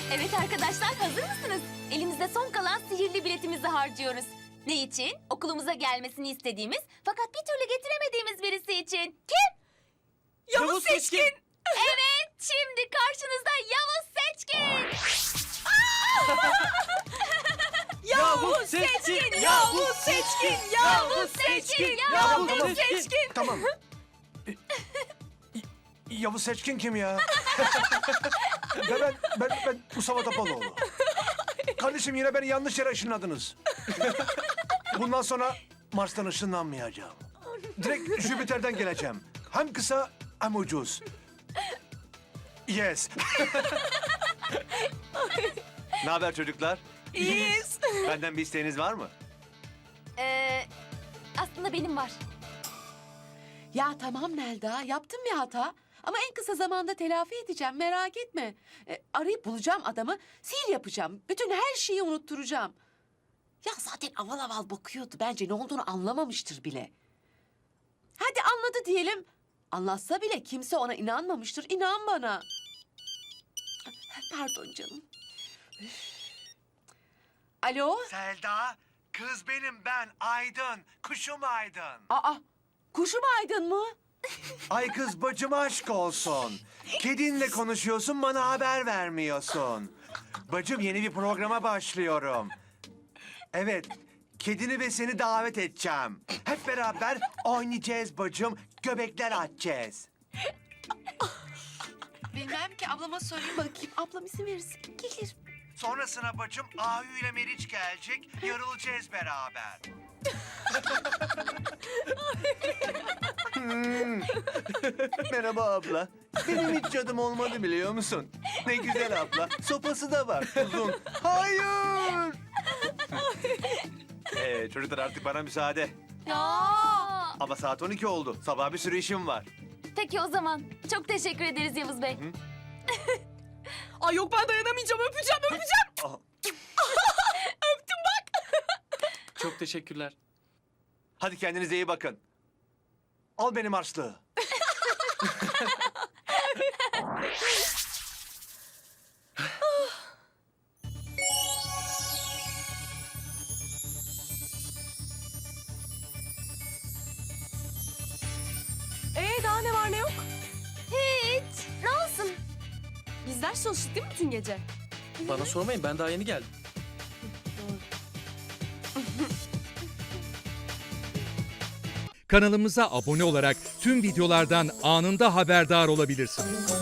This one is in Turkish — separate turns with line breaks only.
Evet arkadaşlar, hazır mısınız? Elimizde son kalan sihirli biletimizi harcıyoruz. Ne için? Okulumuza gelmesini istediğimiz fakat bir türlü getiremediğimiz birisi için. Kim?
Yavuz Seçkin.
Evet, şimdi karşınızda Yavuz Seçkin.
Yavuz Seçkin. Yavuz Seçkin. Yavuz Seçkin. Yavuz Seçkin.
Tamam. Yavuz Seçkin kim ya? ben Mustafa Topaloğlu. Kardeşim yine beni yanlış yere ışınladınız. Bundan sonra Mars'tan ışınlanmayacağım. Direkt Jüpiter'den geleceğim. Hem kısa hem ucuz. Yes.
Ne haber çocuklar?
İyiyiz.
Benden bir isteğiniz var mı?
Aslında benim var.
Ya tamam Melda, yaptım bir hata. Ama en kısa zamanda telafi edeceğim, merak etme. Arayıp bulacağım adamı, sihir yapacağım. Bütün her şeyi unutturacağım. Ya zaten aval aval bakıyordu. Bence ne olduğunu anlamamıştır bile. Hadi anladı diyelim. Anlatsa bile kimse ona inanmamıştır. İnan bana. Pardon canım. Üf. Alo?
Selda, kız benim ben Aydın. Kuşum Aydın.
Aa, kuşum Aydın mı?
Ay kız bacım aşk olsun. Kedinle konuşuyorsun bana haber vermiyorsun. Bacım yeni bir programa başlıyorum. Evet, kedini ve seni davet edeceğim. Hep beraber oynayacağız bacım, göbekler atacağız.
Bilmem ki, ablama sorayım bakayım. Ablam izin verirse gelir.
Sonrasına bacım Ahu ile Meriç gelecek, yarılacağız beraber.
Merhaba abla. Benim hiç cadım olmadı biliyor musun? Ne güzel abla. Sopası da var uzun. Hayır. Çocuklar artık bana müsaade.
Ya.
Ama saat 12 oldu. Sabah bir sürü işim var.
Peki o zaman. Çok teşekkür ederiz Yavuz Bey.
Ay yok, ben dayanamayacağım. Öpeceğim.
Aha.
Çok teşekkürler.
Hadi kendinize iyi bakın.
Al benim harçlığı.
Daha ne var ne yok?
Hiç. Ne olsun?
Biz ders çalıştık değil mi bütün gece?
Bana sormayın, ben daha yeni geldim.
Kanalımıza abone olarak tüm videolardan anında haberdar olabilirsiniz.